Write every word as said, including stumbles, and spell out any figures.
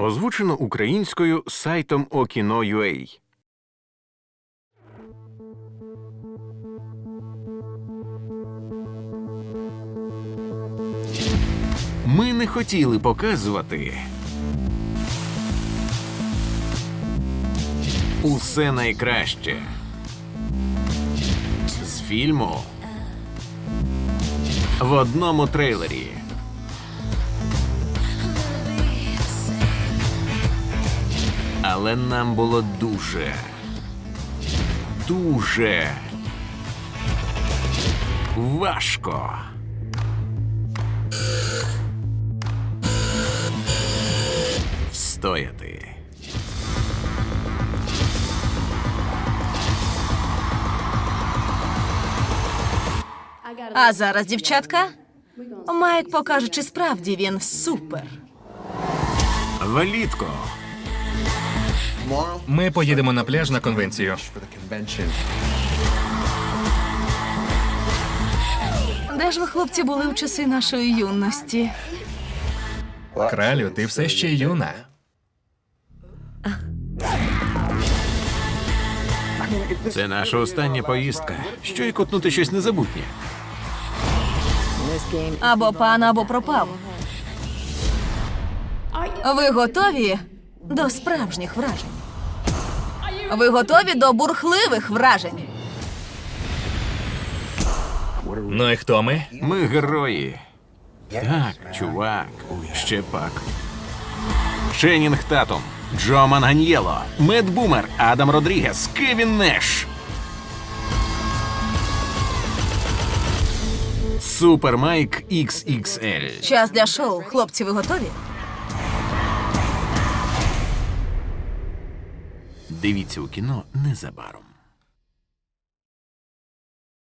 Озвучено українською сайтом Okino.ua. Ми не хотіли показувати усе найкраще з фільму в одному трейлері. Але нам було дуже, дуже важко встояти. А зараз, дівчатка, Майк покаже, чи справді він супер. Влітку Ми поїдемо на пляж на конвенцію. Де ж ви, хлопці, були в часи нашої юності? Кралю, ти все ще юна. це наша остання поїздка. Що й котнути щось незабутнє. Або пан, або пропав. Ви готові до справжніх вражень? Ви готові до бурхливих вражень? Ну і хто ми? Ми герої. Так, чувак, ще пак. Ченнінг Татум, Джо Манганьєло, Мед Бумер, Адам Родрігес, Кевін Неш. Супер Майк ікс ікс ель. Час для шоу. Хлопці, ви готові? Дивіться у кіно незабаром.